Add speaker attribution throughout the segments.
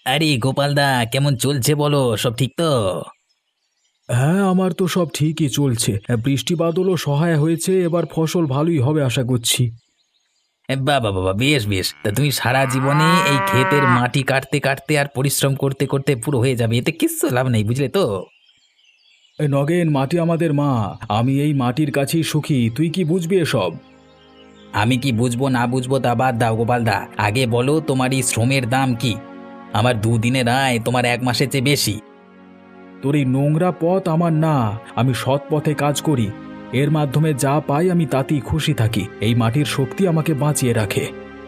Speaker 1: আরে গোপালদা, কেমন চলছে বলো? সব ঠিক তো?
Speaker 2: হ্যাঁ, আমার তো সব ঠিকই চলছে। বৃষ্টি বাদলও সহায় হয়েছে, এবার ফসল ভালোই হবে আশা করছি।
Speaker 1: বাবা বাবা, বেশ বেশ। তা তুমি সারা জীবনে এই ক্ষেতের মাটি কাটতে কাটতে আর পরিশ্রম করতে করতে পুরো হয়ে যাবে, এতে কিচ্ছু লাভ নেই, বুঝলে তো?
Speaker 2: নগেন, মাটি আমাদের মা। আমি এই মাটির কাছেই সুখী, তুই কি বুঝবি এসব?
Speaker 1: আমি কি বুঝবো না বুঝবো তা বাদ দাও গোপালদা, আগে বলো তোমার এই শ্রমের দাম কি? আমার দুদিনের আয় তোমার এক মাসের চেয়ে বেশি।
Speaker 2: তোর এই নোংরা পথ আমার না। আমি সৎ পথে কাজ করি, এর মাধ্যমে যা পাই আমি তাতেই খুশি থাকি। এই মাটির শক্তি আমাকে বাঁচিয়ে রাখে।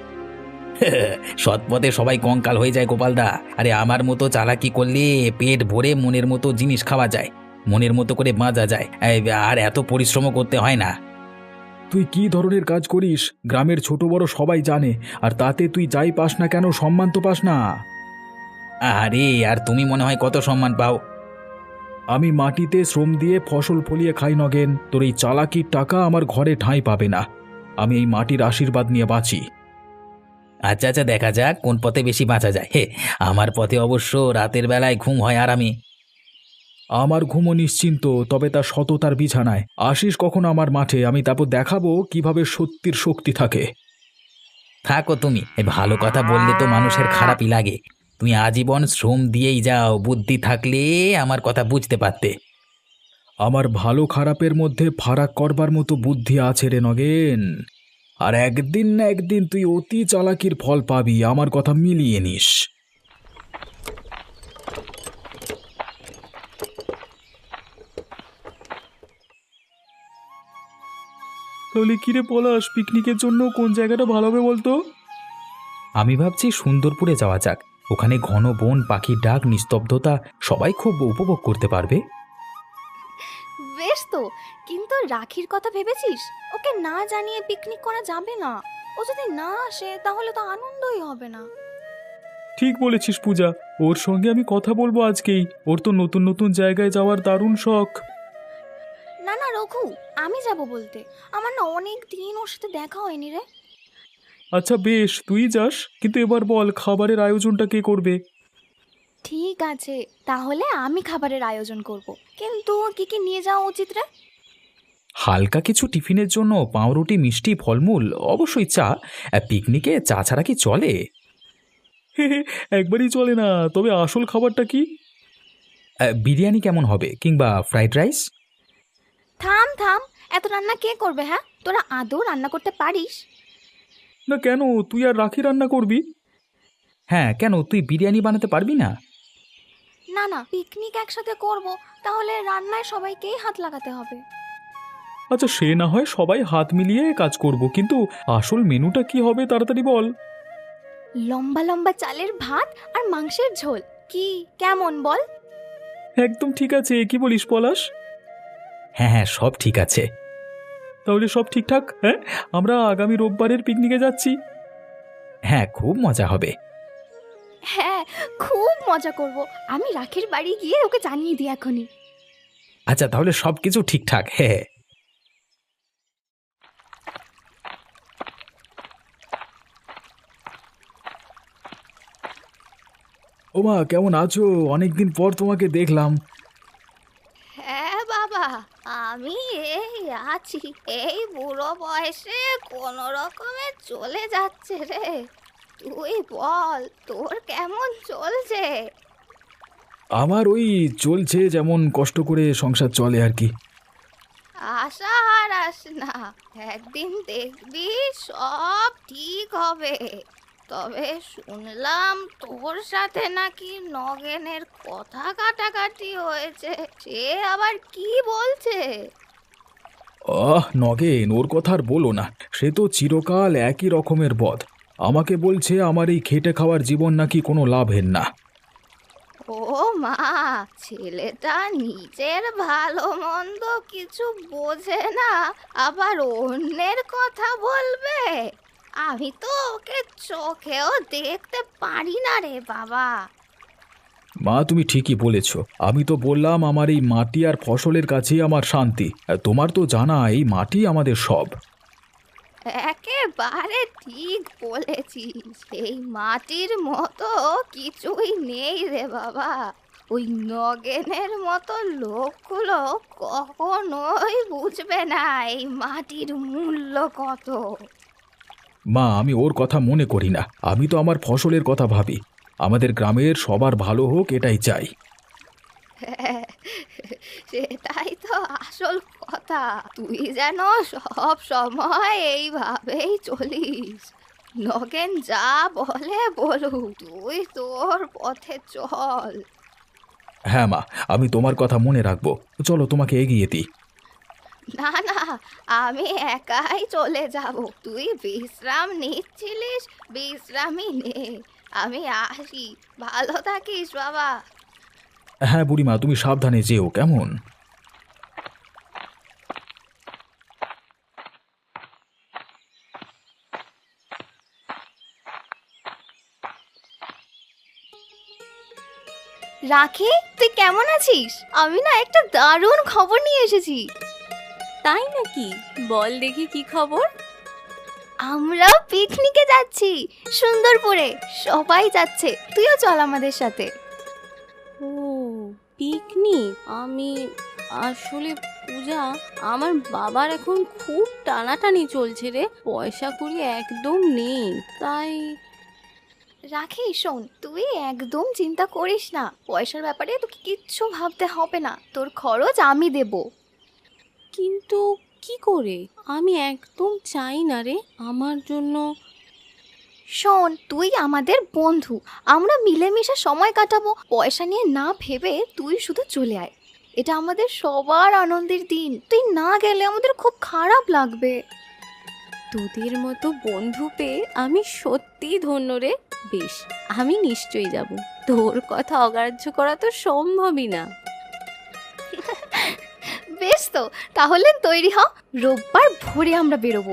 Speaker 1: সৎ পথে সবাই কঙ্কাল হয়ে যায় গোপালদা। আরে আমার মতো চালাকি করলে পেট ভরে মনের মতো জিনিস খাওয়া যায়, মনের মতো করে বাঁচা যায়, আর এত পরিশ্রমও করতে হয় না।
Speaker 2: তুই কি ধরনের কাজ করিস গ্রামের ছোট বড় সবাই জানে, আর তাতে তুই যাই পাস না কেন সম্মান তো পাস না।
Speaker 1: আরে আর তুমি মনে হয় কত সম্মান পাও?
Speaker 2: আমি মাটিতে শ্রম দিয়ে ফসল ফলিয়ে খাই নগেন, তোর এই চালাকির টাকা আমার ঘরে ঠাঁই পাবে না। আমি এই মাটির আশীর্বাদ নিয়ে বাঁচি।
Speaker 1: আচ্ছা আচ্ছা, দেখা যাক কোন পথে বেশি বাঁচা যায়। আমার পথে অবশ্য রাতের বেলায় ঘুম হয় আরামে।
Speaker 2: আমার ঘুমো নিশ্চিন্ত, তবে তা সততার বিছানায়। আসিস কখন আমার মাঠে, আমি তারপর দেখাবো কিভাবে সত্যির শক্তি থাকে।
Speaker 1: থাকো তুমি, এই ভালো কথা বললে তো মানুষের খারাপই লাগে। তুমি আজীবন শ্রম দিয়েই যাও, বুদ্ধি থাকলে আমার কথা বুঝতে পারতে।
Speaker 2: আমার ভালো খারাপের মধ্যে ফারাক করবার মতো বুদ্ধি আছে রে নগেন। আর একদিন না একদিন তুই অতি চালাকির ফল পাবি, আমার কথা মিলিয়ে নিস। তাহলে কিরে পলাশ, পিকনিকের জন্য কোন জায়গাটা ভালো হবে বলতো?
Speaker 1: আমি ভাবছি সুন্দরপুরে যাওয়া যাক। ওখানে ঘন বন, পাখির ডাক, নিস্তব্ধতা, সবাই খুব উপভোগ করতে পারবে।
Speaker 3: বেশ তো, কিন্তু রাখির কথা ভেবেছিস? ওকে না জানিয়ে পিকনিক করা যাবে না। ও যদি না আসে তাহলে তো আনন্দই হবে না।
Speaker 2: ঠিক বলেছিস পূজা, ওর সঙ্গে আমি কথা বলবো আজকেই। ওর তো নতুন নতুন জায়গায় যাওয়ার দারুণ শখ।
Speaker 3: না না রঘু, আমি যাব বলতে। আমার না অনেক দিন ওর সাথে দেখা হয়নি রে।
Speaker 2: আচ্ছা বেশ, তুই যাস, কিন্তু এবার বল খাবারের আয়োজনটা কে করবে?
Speaker 3: ঠিক আছে, তাহলে আমি খাবারের আয়োজন করব। কিন্তু কি কি নিয়ে যাওয়া উচিত রে?
Speaker 1: হালকা কিছু টিফিনের জন্য পাউরুটি, মিষ্টি, ফলমূল, অবশ্যই চা। পিকনিকে চা ছাড়া কি চলে?
Speaker 2: একবারই চলে না, তবে আসল খাবারটা কি?
Speaker 1: বিরিয়ানি কেমন হবে, কিংবা ফ্রাইড রাইস?
Speaker 3: থাম থাম, এত রান্না কে করবে? হ্যাঁ, তোরা আদৌ রান্না করতে পারিস?
Speaker 2: না কেন, তুই আর রাখি রান্না করবি?
Speaker 1: হ্যাঁ, কেন তুই বিরিয়ানি বানাতে পারবি না?
Speaker 3: না না, পিকনিক একসাথে করব, তাহলে রান্নায় সবাইকেই হাত লাগাতে হবে।
Speaker 2: আচ্ছা সে না হয় সবাই হাত মিলিয়ে কাজ করব, কিন্তু আসল মেনুটা কি হবে তাড়াতাড়ি বল।
Speaker 3: লম্বা লম্বা চালের ভাত আর মাংসের ঝোল, কি কেমন বল?
Speaker 2: একদম ঠিক আছে, কি বলিস পলাশ?
Speaker 1: হ্যাঁ হ্যাঁ, সব ঠিক আছে।
Speaker 2: তাহলে সব ঠিকঠাক, হ্যাঁ? আমরা আগামী রোববারের পিকনিকে যাচ্ছি।
Speaker 1: হ্যাঁ, খুব মজা হবে।
Speaker 3: হ্যাঁ, খুব মজা করব। আমি রাখির বাড়ি গিয়ে ওকে জানিয়ে দিই এখনই।
Speaker 1: আচ্ছা, তাহলে সব কিছু ঠিকঠাক। হ্যাঁ।
Speaker 2: ওমা, কেমন আছো? অনেকদিন পর তোমাকে দেখলাম।
Speaker 3: হ্যাঁ বাবা, আমি এই আছি। এই বুড়ো বয়সে কোনো রকমে চলে যাচ্ছে রে। তুই বল, তোর কেমন চলছে?
Speaker 2: আমার ওই চলছে, যেমন কষ্ট করে সংসার চলে আর কি।
Speaker 3: আশা হারাস না, একদিন দেখবি সব ঠিক হবে। তবে শুনলাম তোর সাথে নাকি নগেনের কথা কাটাকাটি হয়েছে। সে আবার কি বলছে?
Speaker 2: নগেন, ওর কথা আর বলো না। সে তো চিরকাল একই রকমের বদ। আমাকে বলছে আমার এই খেটে খাওয়ার জীবন নাকি কোনো লাভের না।
Speaker 3: ও মা, ছেলেটা নিজের ভালো মন্দ কিছু বোঝে না, আবার অন্যের কথা বলবে? আমি তো ওকে চোখেও দেখতে পারি না রে বাবা।
Speaker 2: মা, তুমি ঠিকই বলেছ। আমি তো বললাম আমার এই মাটি আর ফসলের কাছেই আমার শান্তি। তোমার তো জানা, এই মাটি আমাদের সব।
Speaker 3: একে একেবারে ঠিক বলেছিস, এই মাটির মতো কিছুই নেই রে বাবা। ওই নগেনের মতো লোকগুলো কখনোই বুঝবে না এই মাটির মূল্য কত।
Speaker 2: মা, আমি ওর কথা মনে করি না, আমি তো আমার ফসলের কথা ভাবি। আমাদের গ্রামের সবার ভালো হোক এটাই চাই।
Speaker 3: সেটাই তো আসল কথা। তুই যেন সব সময় এইভাবেই চলিস। নগেন যা বলে বলুক, তুই তোর পথে চল।
Speaker 2: হ্যাঁ মা, আমি তোমার কথা মনে রাখবো। চলো তোমাকে এগিয়ে দিই।
Speaker 3: না না, আমি একাই চলে যাব। তুই বিশ্রাম নিচ্ছিলিস, বিশ্রামই নে। আমি আসি, ভালো থাকিস বাবা।
Speaker 2: হ্যাঁ বুড়িমা, তুমি সাবধানে যেও কেমন।
Speaker 3: রাখি, তুই কেমন আছিস? আমি না একটা দারুণ খবর নিয়ে এসেছি।
Speaker 4: তাই নাকি? বল দেখি কি খবর।
Speaker 3: আমরা পিকনিকে যাচ্ছি সুন্দরপুরে। সবাই যাচ্ছে, তুইও চল আমাদের সাথে।
Speaker 4: ও, পিকনিক? আমি আসলে পূজা, আমার বাবার এখন খুব টানাটানি চলছে রে, পয়সা কড়ি একদম নেই, তাই।
Speaker 3: রাখি শোন, তুই একদম চিন্তা করিস না। পয়সার ব্যাপারে তোকে কিচ্ছু ভাবতে হবে না, তোর খরচ আমি দেব।
Speaker 4: কিন্তু কি করে? আমি একদম চাই না রে আমার জন্য।
Speaker 3: শোন, তুই আমাদের বন্ধু, আমরা মিলেমিশে সময় কাটাবো। পয়সা নিয়ে না ভেবে তুই শুধু চলে আয়। এটা আমাদের সবার আনন্দের দিন, তুই না গেলে আমাদের খুব খারাপ লাগবে।
Speaker 4: তোদের মতো বন্ধু পেয়ে আমি সত্যিই ধন্য রে। বেশ, আমি নিশ্চয়ই যাব। তোর কথা অগ্রাহ্য করা তো সম্ভবই না।
Speaker 3: বেশ তো, তাহলে তৈরি হ, রোববার ভোরে আমরা বেরোবো।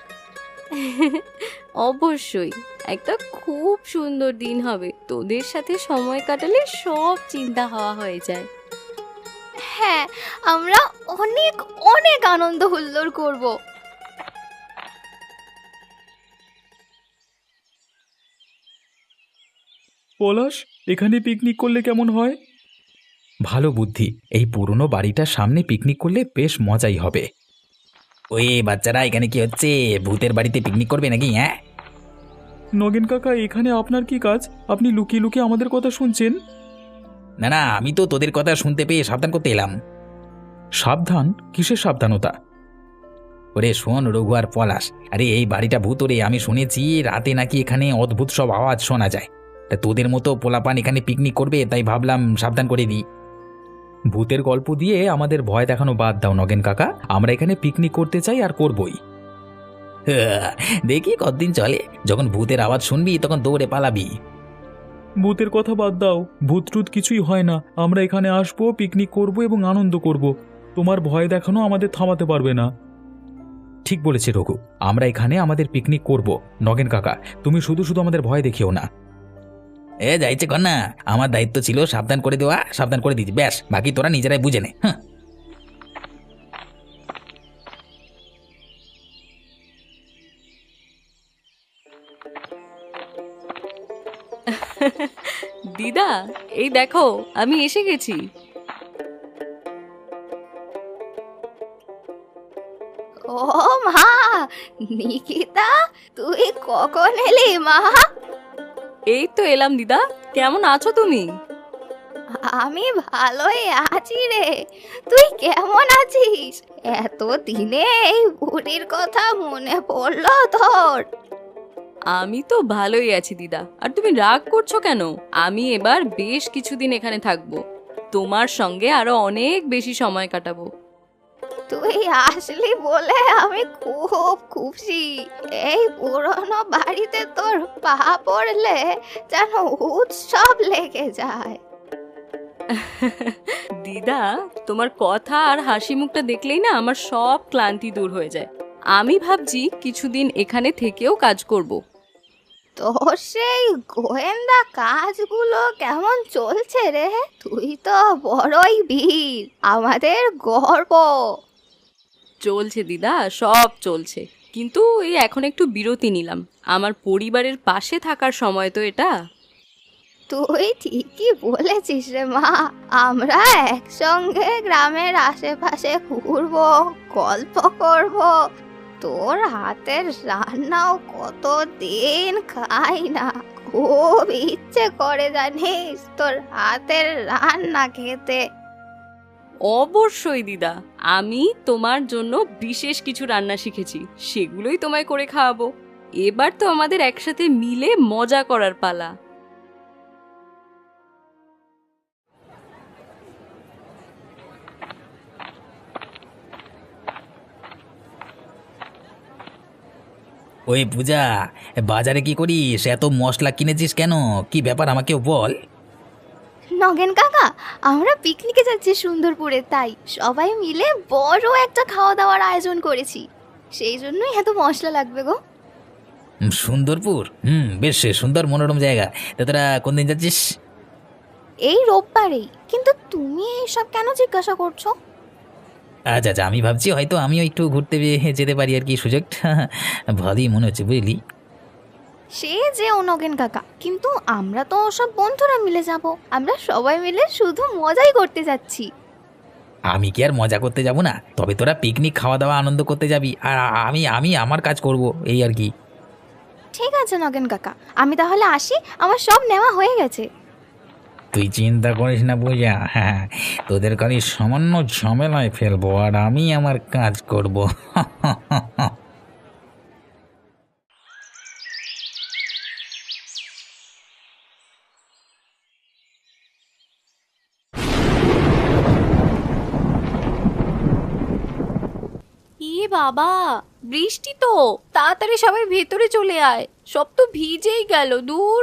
Speaker 4: অবশ্যই, একটা খুব সুন্দর দিন হবে। তোদের সাথে সময় কাটালে সব চিন্তা হাওয়া হয়ে যায়।
Speaker 3: হ্যাঁ, আমরা অনেক অনেক আনন্দ হুল্লোড় করব।
Speaker 2: পলাশ, এখানে পিকনিক করলে কেমন হয়? ভালো বুদ্ধি। এই পুরনো বাড়িটার সামনে পিকনিক করলে বেশ মজাই হবে।
Speaker 1: ওই বাচ্চারা, এখানে কি হচ্ছে? ভূতের বাড়িতে পিকনিক করবে নাকি? হ্যাঁ,
Speaker 2: নগেন কাকা, এখানে আপনার কি কাজ? আপনি লুকিয়ে লুকিয়ে আমাদের কথা শুনছেন?
Speaker 1: না না, আমি তো তোদের কথা শুনতে পেয়ে সাবধান করতে এলাম।
Speaker 2: সাবধান? কিসের সাবধানতা?
Speaker 1: ওরে শোন রঘু আর পলাশ, আরে এই বাড়িটা ভূতরে। আমি শুনেছি রাতে নাকি এখানে অদ্ভুত সব আওয়াজ শোনা যায়। তা তোদের মতো পোলাপান এখানে পিকনিক করবে, তাই ভাবলাম সাবধান করে দিই।
Speaker 2: ভূতের গল্প দিয়ে আমাদের ভয় দেখানো বাদ দাও নগেন কাকা। আমরা এখানে পিকনিক করতে চাই আর করবই।
Speaker 1: দেখি কতদিন চলে। যখন ভূতের আওয়াজ শুনবি তখন দৌড়ে পালাবি।
Speaker 2: ভূতের কথা বাদ দাও, ভূত টুত কিছুই হয় না। আমরা এখানে আসবো, পিকনিক করব এবং আনন্দ করব। তোমার ভয় দেখানো আমাদের থামাতে পারবে না। ঠিক বলেছে রঘু, আমরা এখানে আমাদের পিকনিক করব। নগেন কাকা, তুমি শুধু শুধু আমাদের ভয় দেখিও না।
Speaker 1: যাইছে কর না, আমার দায়িত্ব ছিল সাবধান করে দেওয়া, সাবধান করে দিচ্ছি, ব্যাস। বাকি তোরা নিজেরাই বুঝে নে। হ্যাঁ,
Speaker 4: দিদা, এই দেখো আমি এসে গেছি।
Speaker 3: ও মা, নিকিতা, তুই কখন এলি মা?
Speaker 4: এই তো এলাম দিদা, কেমন আছো তুমি?
Speaker 3: আমি ভালোই আছি রে, তুই কেমন আছিস? এত দিনে এই বুড়ির কথা মনে পড়লো তোর?
Speaker 4: আমি তো ভালোই আছি দিদা, আর তুমি রাগ করছো কেন? আমি এবার বেশ কিছুদিন এখানে থাকবো, তোমার সঙ্গে আরো অনেক বেশি সময় কাটাবো।
Speaker 3: তুই আসলি বলে আমি খুব খুশি। এই পুরনো বাড়িতে তোর পা পড়লে যেন উৎসব লেগে যায়।
Speaker 4: দিদা, তোমার কথা আর হাসি মুখটা দেখলেই না আমার সব ক্লান্তি দূর হয়ে যায়। আমি ভাবছি কিছুদিন এখানে থেকেও কাজ করব।
Speaker 3: তোর সেই গোয়েন্দা কাজগুলো কেমন চলছে রে? তুই তো বড়ই বীর, আমাদের গর্ব।
Speaker 4: চলছে দিদা, সব চলছে। কিন্তু এই এখন একটু বিরতি নিলাম। আমার পরিবারের পাশে থাকার সময় তো এটা।
Speaker 3: তুই ঠিকই বলেছিস রে মা। আমরা একসঙ্গে গ্রামের আশেপাশে ঘুরবো, গল্প করব। তোর হাতের রান্নাও কতদিন খাই না, খুব ইচ্ছে করে জানিস তোর হাতের রান্না খেতে।
Speaker 4: অবশ্যই দিদা, আমি তোমার জন্য বিশেষ কিছু রান্না শিখেছি, সেগুলোই তোমায় করে খাওয়াবো। এবার তো আমাদের একসাথে মিলে মজা করার পালা।
Speaker 1: ওই পূজা, বাজারে কি করিস? এত মশলা কিনেছিস কেন? কি ব্যাপার আমাকেও বল।
Speaker 3: নগেন কাকা, আমরা পিকনিকে যাচ্ছি সুন্দরপুরে, তাই সবাই মিলে বড় একটা খাওয়া দাওয়ার আয়োজন করেছি। সেই জন্যই এত মশলা লাগবে গো।
Speaker 1: সুন্দরপুর? বেশ সুন্দর মনোরম জায়গা। তা তোরা কোন দিন যাচ্ছিস?
Speaker 3: এই রোববারেই। কিন্তু তুমি এইসব কেন জিজ্ঞাসা করছো?
Speaker 1: আচ্ছা আচ্ছা, আমি ভাবছি হয়তো আমিও একটু ঘুরতে যেতে পারি আর কি, সুযোগটা ভালোই মনে হচ্ছে, বুঝলি।
Speaker 3: সে যে নগেন কাকা, কিন্তু আমরা তো সব বন্ধুরা মিলে যাব। আমরা সবাই মিলে শুধু মজাই করতে যাচ্ছি।
Speaker 1: আমি কি আর মজা করতে যাব না? তবে তোরা পিকনিক খাওয়া দাওয়া আনন্দ করতে যাবি, আর আমি আমি আমার কাজ করব, এই আর কি।
Speaker 3: ঠিক আছে নগেন কাকা, আমি তাহলে আসি, আমার সব নেওয়া হয়ে গেছে।
Speaker 1: তুই চিন্তা করিস না পূজা, হ্যাঁ, তোদের খালি সামান্য ঝামেলায় ফেলবো আর আমি আমার কাজ করব।
Speaker 4: বাবা, বৃষ্টি তো! তাড়াতাড়ি সবাই ভেতরে চলে আয়, সব তো ভিজেই গেল। দূর।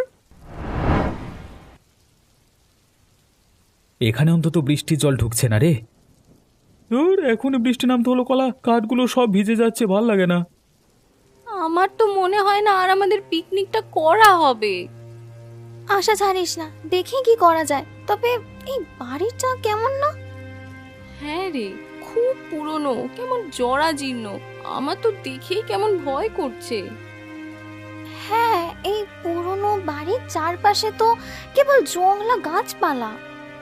Speaker 2: এখানে অন্তত বৃষ্টির জল ঢুকছে না রে। ধুর, এখনই বৃষ্টি নামতে হলো কলা, কাঠগুলো সব ভিজে যাচ্ছে, ভাল লাগে না।
Speaker 4: আমার তো মনে হয় না আর আমাদের পিকনিকটা করা হবে।
Speaker 3: আশা ছাড়িস না, দেখি কি করা যায়। তবে এই বাড়িটা কেমন না?
Speaker 4: হ্যাঁ রে, খুব পুরনো, কেমন জরাজীর্ণ। আমার তো দেখেই কেমন ভয় করছে।
Speaker 3: হ্যাঁ, এই পুরনো বাড়ির চারপাশে তো কেবল জংলা গাছপালা।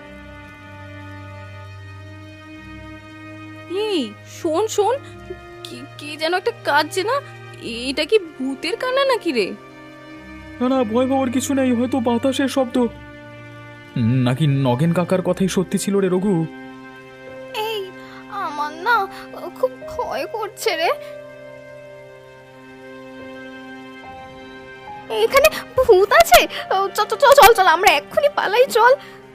Speaker 4: এই শোন শোন, কি যেন একটা কাঁদছে না? এটা কি ভূতের কান্না নাকি রে?
Speaker 2: না না, ভয় পাওয়ার কিছু নেই, হয়তো বাতাসের শব্দ। নাকি নগেন কাকার কথাই সত্যি ছিল রে রঘু?
Speaker 3: এই আমার না খুব ভয় করছে রে। এখানে ভূত আছে? চল চল চল চল, আমরা এক্ষুনি পালাই, চল।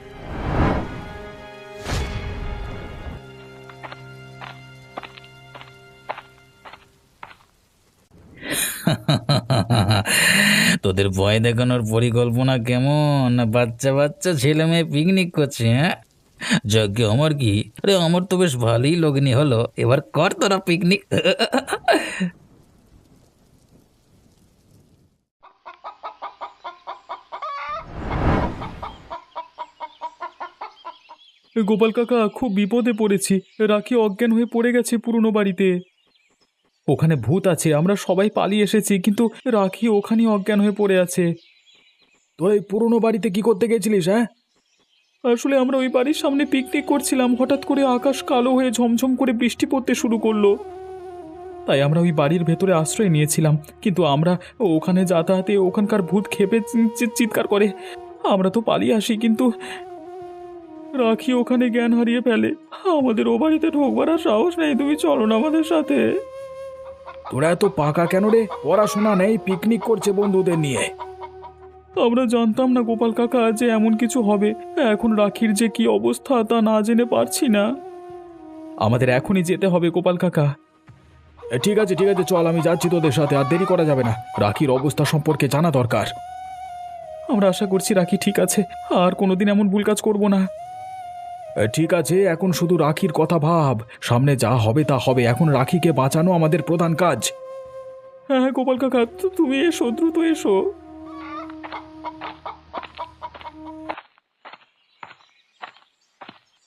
Speaker 1: তোদের ভয় দেখানোর পরিকল্পনা কেমন? বাচ্চা বাচ্চা ছেলে মেয়ে পিকনিক করছে, হ্যাঁ? যজ্ঞ আমার কি, আরে আমার তো বেশ ভালোই লগ্নি হলো। এবার কর তোরা পিকনিক।
Speaker 2: গোপাল কাকা, খুব বিপদে পড়েছি। রাখি অজ্ঞান হয়ে পড়ে গেছে পুরনো বাড়িতে। ওখানে ভূত আছে, আমরা সবাই পালিয়ে এসেছি, কিন্তু রাখি ওখানেই অজ্ঞান হয়ে পড়ে আছে। তোর এই পুরনো বাড়িতে কি করতে গেছিলিস? হ্যাঁ, আসলে আমরা ওই বাড়ির সামনে পিকনিক করছিলাম, হঠাৎ করে আকাশ কালো হয়ে ঝমঝম করে বৃষ্টি পড়তে শুরু করলো। তাই আমরা ওই বাড়ির ভেতরে আশ্রয় নিয়েছিলাম, কিন্তু আমরা ওখানে যাতায়াতে ওখানকার ভূত খেপে চিৎকার করে। আমরা তো পালিয়ে আসি, কিন্তু রাখি ওখানে জ্ঞান হারিয়ে ফেলে। আমাদের ও বাড়িতে ঢোকবার আর সাহস নেই। তুমি চলো না আমাদের সাথে।
Speaker 5: তোরা এত পাকা কেন রে? পড়াশোনা নেই, পিকনিক করছে বন্ধুদের নিয়ে।
Speaker 2: আমরা জানতাম না গোপাল কাকা যে এমন কিছু হবে। এখন রাখির যে কি অবস্থা তা না জেনে পারছি না। আমাদের এখনই যেতে হবে গোপাল কাকা।
Speaker 5: ঠিক আছে ঠিক আছে, চল, আমি যাচ্ছি তোদের সাথে। আর দেরি করা যাবে না, রাখির অবস্থা সম্পর্কে জানা দরকার।
Speaker 2: আমরা আশা করছি রাখি ঠিক আছে, আর কোনোদিন এমন ভুল কাজ করব না।
Speaker 5: ঠিক আছে, এখন শুধু রাখির কথা ভাব। সামনে যা হবে তা হবে, এখন রাখিকে বাঁচানো আমাদের প্রধান কাজ।
Speaker 2: হ্যাঁ হ্যাঁ গোপাল কাকা, তুমি এসো, দ্রুত এসো।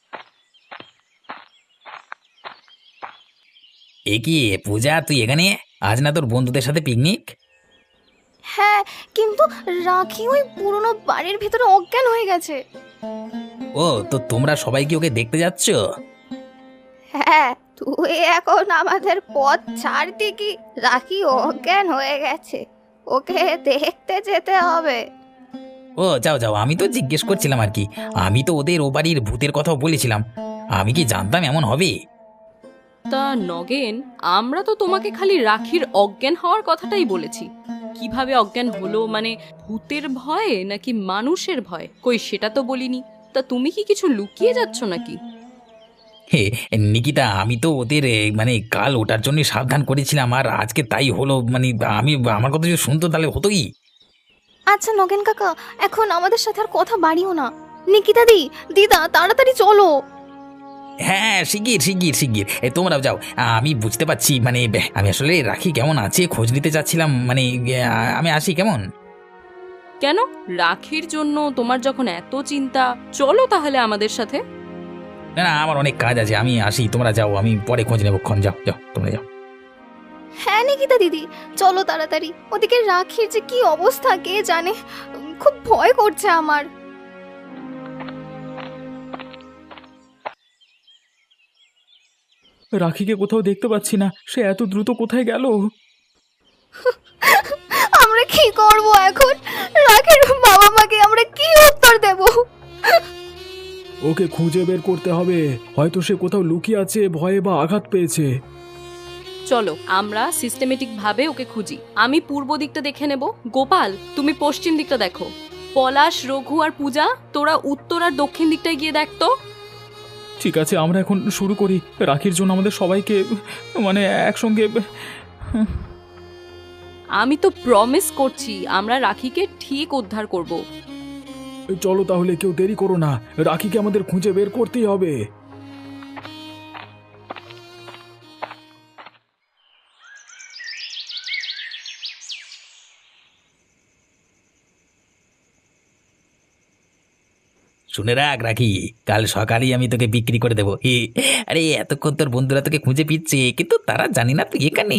Speaker 1: এ কি পূজা, তুই এখানে? আজ না তোর বন্ধুদের সাথে পিকনিক?
Speaker 3: হ্যাঁ, কিন্তু রাখি ওই পুরনো বাড়ির ভিতরে অজ্ঞান হয়ে গেছে।
Speaker 1: ও, তো তোমরা সবাই কি ওকে দেখতে যাচ্ছ?
Speaker 3: হ্যাঁ, তুই এখন আমাদের পথ ছাড়তে কি? রাখি অজ্ঞান হয়ে গেছে, ওকে দেখতে যেতে হবে।
Speaker 1: ও যাও যাও, আমি তো জিজ্ঞেস করছিলাম আর কি। আমি তো ওদের ও বাড়ির ভূতের কথাও বলেছিলাম। আমি কি জানতাম এমন হবে?
Speaker 4: তা নগেন, আমরা তো তোমাকে খালি রাখির অজ্ঞান হওয়ার কথাটাই বলেছি। কিভাবে অজ্ঞান হলো, মানে ভূতের ভয়ে নাকি মানুষের ভয়, কই সেটা তো বলিনি। তা তুমি কি কিছু লুকিয়ে যাচ্ছ নাকি?
Speaker 1: হে নিকিতা, আমি তো ওদের মানে কাল ওটার জন্য সাবধান করেছিলাম, আর আজকে তাই হলো। মানে আমি, আমার কথা যদি শুনতো তাহলে হতো কি?
Speaker 3: আচ্ছা নগেন কাকা, এখন আমাদের সাথে আর কথা বাড়িও না। নিকিতা দিদা তাড়াতাড়ি চলো।
Speaker 1: হ্যাঁ, শিগগির শিগগির শিগগির তোমরাও যাও। আমি বুঝতে পারছি, মানে আমি আসলে রাখি কেমন আছে খোঁজ নিতে চাচ্ছিলাম। মানে আমি আসি কেমন?
Speaker 4: কেন, রাখির জন্য তোমার যখন এত চিন্তা, চলো তাহলে আমাদের সাথে।
Speaker 1: না না, আমার অনেক কাজ আছে, আমি আসি। তোমরা যাও, আমি পরে খোঁজ নেবো। যাও যাও, তোমরা যাও।
Speaker 3: হ্যাঁ নিকিতা দিদি, চলো তাড়াতাড়ি। ওদিকে রাখির যে কি অবস্থা কে জানে, খুব ভয় করছে আমার।
Speaker 2: রাখিকে কোথাও দেখতে পাচ্ছি না, সে এত দ্রুত কোথায় গেল?
Speaker 3: আমরা কি করব এখন? রাখির বাবা মাকে আমরা কি উত্তর দেব?
Speaker 5: ওকে খুঁজে বের করতে হবে, হয়তো সে কোথাও লুকিয়ে আছে, ভয়ে বা আঘাত পেয়েছে।
Speaker 4: চলো আমরা সিস্টেমেটিক ভাবে ওকে খুঁজি। আমি পূর্ব দিকটা দেখে নেব, গোপাল তুমি পশ্চিম দিকটা দেখো, পলাশ, রঘু আর পূজা তোরা উত্তর আর দক্ষিণ দিকটায় গিয়ে দেখতো।
Speaker 2: ঠিক আছে, আমরা এখন শুরু করি। রাখির জন্য আমাদের সবাইকে মানে একসঙ্গে।
Speaker 4: আমি তো প্রমিস করছি আমরা রাখিকে ঠিক উদ্ধার করব।
Speaker 5: চলো তাহলে, কেউ দেরি করো না, রাখিকে আমাদের খুঁজে বের করতেই হবে।
Speaker 1: শুনে রাখ রাখি, কাল সকালেই আমি তোকে বিক্রি করে দেবো। আরে এতক্ষণ তোর বন্ধুরা তোকে খুঁজে পিচ্ছে, কিন্তু তারা জানি না তুই এখানে।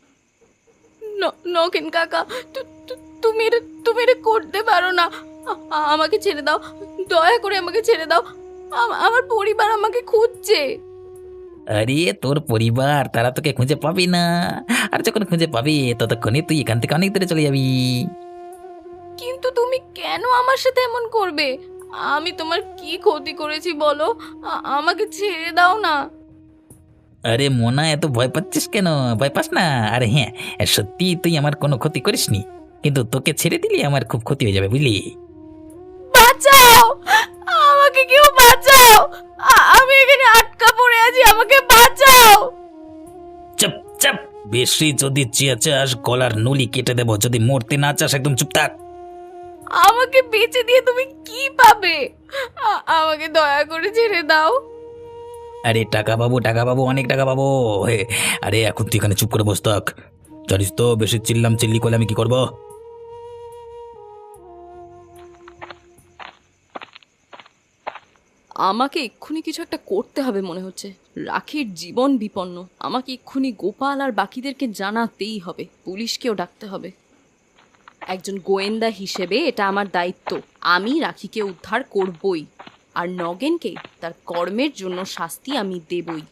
Speaker 4: নগেন কাকা, তুমি এটা করতে পারো না। আমাকে ছেড়ে দাও, দয়া করে আমাকে ছেড়ে দাও। আমার পরিবার আমাকে খুঁজছে।
Speaker 1: আরে তোর পরিবার তারা তোকে খুঁজে পাবি না, আর যখন খুঁজে পাবি ততক্ষণে তুই এখান থেকে অনেক দূরে চলে যাবি।
Speaker 4: কিন্তু তুমি কেন আমার সাথে এমন করবে? আমি তোমার কি ক্ষতি করেছি বলো? আমাকে ছেড়ে দাও না।
Speaker 1: আরে মোনা, এত ভয় পাচ্ছিস কেন? ভয় পাস না। আরে হ্যাঁ, সত্যি তুই আমার কোনো ক্ষতি করিসনি, কিন্তু তোকে ছেড়ে দিলে আমার খুব ক্ষতি হয়ে যাবে, বুঝলি?
Speaker 4: বাঁচাও, আমাকে কেউ বাঁচাও। আমি এখানে আটকা পড়ে আছি, আমাকে বাঁচাও।
Speaker 1: চুপ চুপ, বেশি যদি চেঁচাস গলার নলি কেটে দেবো। যদি মরতে না চাস একদম চুপ থাক।
Speaker 4: আমাকে বেঁচে দিয়ে তুমি কি পাবে? আমাকে দয়া করে ছেড়ে দাও।
Speaker 1: আরে টাকা পাবো, টাকা পাবো, অনেক টাকা পাবো। হে, আরে এখন তুই এখানে চুপ করে বস থাক। জানিস তো বেশি চিল্লাম চিল্লি করলে আমি কি করব?
Speaker 4: আমাকে এক্ষুনি কিছু একটা করতে হবে মনে হচ্ছে। রাখির জীবন বিপন্ন, আমাকে এক্ষুনি গোপাল আর বাকিদেরকে জানাতেই হবে, পুলিশকেও ডাকতে হবে। একজন গোয়েন্দা হিসেবে এটা আমার দায়িত্ব। আমি রাখিকে উদ্ধার করবই, আর নগেনকে তার কর্মের জন্য শাস্তি আমি দেবই।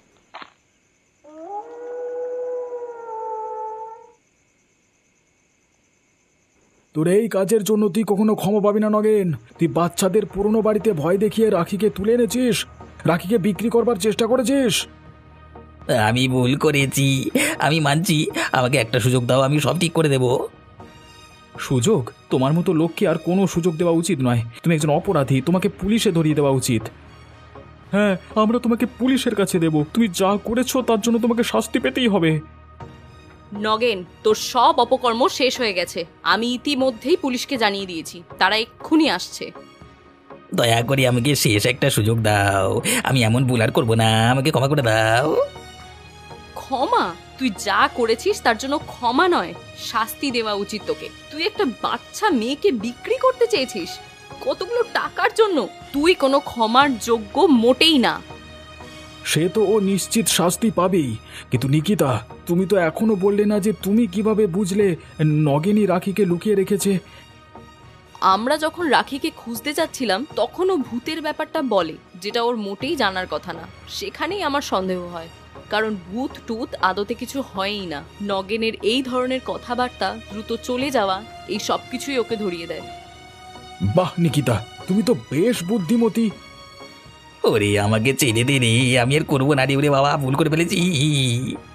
Speaker 5: তোর এই কাজের জন্য তুই কখনো ক্ষমা পাবি না নগেন। তুই বাচ্চাদের পুরনো বাড়িতে ভয় দেখিয়ে রাখিকে তুলে এনেছিস, রাখিকে বিক্রি করবার চেষ্টা করেছিস।
Speaker 1: আমি ভুল করেছি, আমি মানছি। আমাকে একটা সুযোগ দাও, আমি সব ঠিক করে দেব।
Speaker 2: সুযোগ? তোমার মতো লোককে আর কোনো সুযোগ দেওয়া উচিত নয়। তুমি একজন অপরাধী, তোমাকে পুলিশে ধরিয়ে দেওয়া উচিত। হ্যাঁ, আমরা তোমাকে পুলিশের কাছে দেব। তুমি যা করেছো তার জন্য তোমাকে শাস্তি পেতেই হবে।
Speaker 4: নগেন, তোর সব অপকর্ম শেষ হয়ে গেছে। আমি ইতিমধ্যেই পুলিশকে জানিয়ে দিয়েছি, তারা এক্ষুনি আসছে।
Speaker 1: দয়া করে আমাকে শেষ একটা সুযোগ দাও, আমি এমন ভুল আর করবো না। আমাকে ক্ষমা করে দাও।
Speaker 4: ক্ষমা? তুই যা করেছিস তার জন্য ক্ষমা নয়, শাস্তি দেওয়া উচিত তোকে। তুই একটা বাচ্চা মেয়েকে বিক্রি করতে চেয়েছিস কতগুলো টাকার জন্য। তুই কোনো ক্ষমার যোগ্য মোটেই না।
Speaker 5: সে তো ও নিশ্চিত শাস্তি পাবেই, কিন্তু নিকিতা তুমি তো এখনো বললে না যে তুমি কিভাবে বুঝলে নগেনই রাখিকে লুকিয়ে রেখেছে।
Speaker 4: আমরা যখন রাখিকে খুঁজতে যাচ্ছিলাম তখন ও ভূতের ব্যাপারটা বলে, যেটা ওর মোটেই জানার কথা না। সেখানেই আমার সন্দেহ হয়, কারণ ভূত টুত আদতে কিছু হয়ই না। নগেনের এই ধরনের কথাবার্তা, দ্রুত চলে যাওয়া, এই সব কিছুই ওকে ধরিয়ে দেয়।
Speaker 5: বাহ নিকিতা, তুমি তো বেশ বুদ্ধিমতী।
Speaker 1: ওরে আমাকে ছেড়ে দে রে, আমি আর করবো না রে, ওরে বাবা ভুল করে ফেলেছি।